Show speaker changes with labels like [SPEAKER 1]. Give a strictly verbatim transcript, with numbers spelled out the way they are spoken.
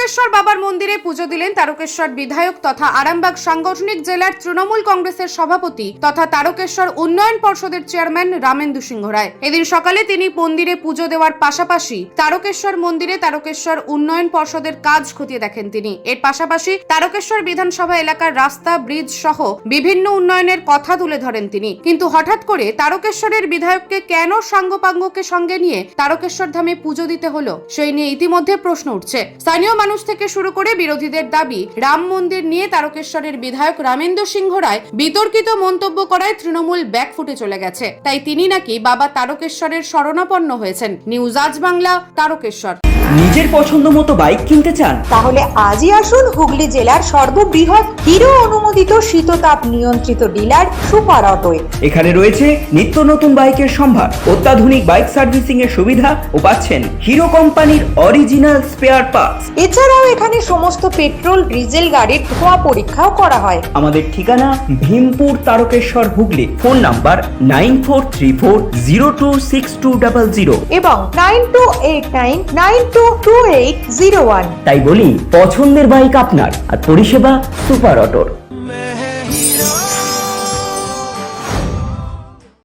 [SPEAKER 1] তারকেশ্বর বাবার মন্দিরে পুজো দিলেন তারকেশ্বর বিধায়ক তথা আরামবাগ সাংগঠনিক জেলার তৃণমূল কংগ্রেসের সভাপতি তথা তারকেশ্বর উন্নয়ন পর্ষদের চেয়ারম্যান রামেন্দু সিংহ রায়। এদিন সকালে তিনি মন্দিরে পুজো দেওয়ার পাশাপাশি তারকেশ্বর মন্দিরে তারকেশ্বর উন্নয়ন পর্ষদের কাজ খতিয়ে দেখেন তিনি। এর পাশাপাশি তারকেশ্বর বিধানসভা এলাকার রাস্তা, ব্রিজ সহ বিভিন্ন উন্নয়নের কথা তুলে ধরেন তিনি। কিন্তু হঠাৎ করে তারকেশ্বরের বিধায়ককে কেন সাঙ্গপাঙ্গকে সঙ্গে নিয়ে তারকেশ্বর ধামে পুজো দিতে হলো, সেই নিয়ে ইতিমধ্যে প্রশ্ন উঠছে। স্থানীয় মানুষ থেকে শুরু করে বিরোধীদের দাবি, রাম মন্দির নিয়ে তারকেশ্বরের বিধায়ক রামেন্দু সিংহ রায় বিতর্কিত মন্তব্য করায় তৃণমূল ব্যাকফুটে চলে গেছে। তাই তিনি নাকি বাবা তারকেশ্বরের শরণাপন্ন হয়েছেন। নিউজ আজ বাংলা, তারকেশ্বর।
[SPEAKER 2] নিজের পছন্দ মতো বাইক কিনতে চান?
[SPEAKER 3] তাহলে আজই আসুন হুগলি জেলার সর্ববৃহৎ হিরো অনুমোদিত শীততাপ নিয়ন্ত্রিত ডিলার সুপার অটোয়।
[SPEAKER 2] এখানে রয়েছে নিত্য নতুন বাইকের সম্ভার, অত্যাধুনিক বাইক সার্ভিসিং এর সুবিধা ও পাচ্ছেন হিরো কোম্পানির অরিজিনাল স্পেয়ার পার্টস।
[SPEAKER 3] এছাড়াও এখানে সমস্ত পেট্রোল, ডিজেল গাড়ির ধোঁয়া পরীক্ষাও করা হয়।
[SPEAKER 2] আমাদের ঠিকানা Bhimpur, Tarakeswar, Hooghly. Phone number nine four three four zero two six two double zero
[SPEAKER 3] এবং nine two eight nine nine two two eight zero one.
[SPEAKER 2] তাই বলি, পছন্দের বাইক আপনার আর পরিষেবা সুপার অটোর।